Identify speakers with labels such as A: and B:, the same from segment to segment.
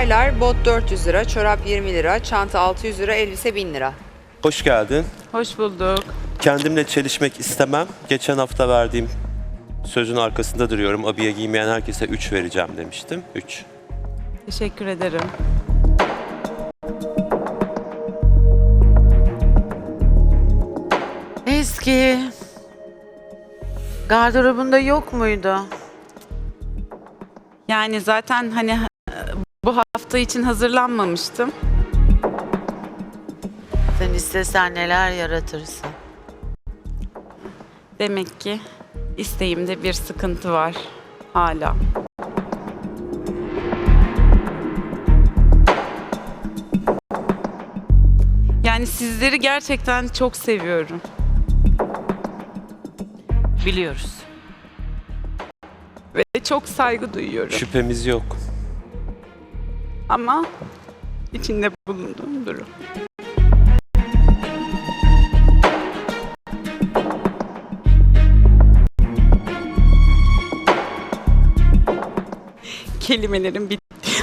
A: Taylar, bot 400 lira, çorap 20 lira, çanta 600 lira, elbise 1000 lira.
B: Hoş geldin.
C: Hoş bulduk.
B: Kendimle çelişmek istemem. Geçen hafta verdiğim sözün arkasında duruyorum. Abiye giymeyen herkese 3 vereceğim demiştim. 3.
C: Teşekkür ederim.
D: Eski. Gardırobunda yok muydu?
C: Yani zaten hani bu hafta için hazırlanmamıştım.
D: Sen istesen neler yaratırsın.
C: Demek ki isteğimde bir sıkıntı var hala. Yani sizleri gerçekten çok seviyorum.
D: Biliyoruz.
C: Ve çok saygı duyuyorum.
B: Şüphemiz yok.
C: Ama içinde bulunduğum durum. Kelimelerim bitti.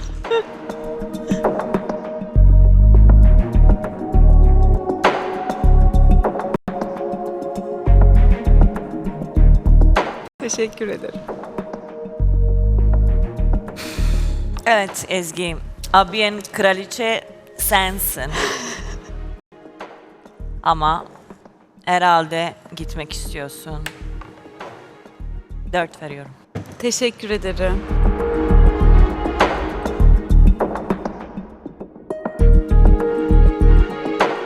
C: Teşekkür ederim.
E: Evet Ezgi, abiyen kraliçe sensin. Ama herhalde gitmek istiyorsun. 4 veriyorum.
C: Teşekkür ederim.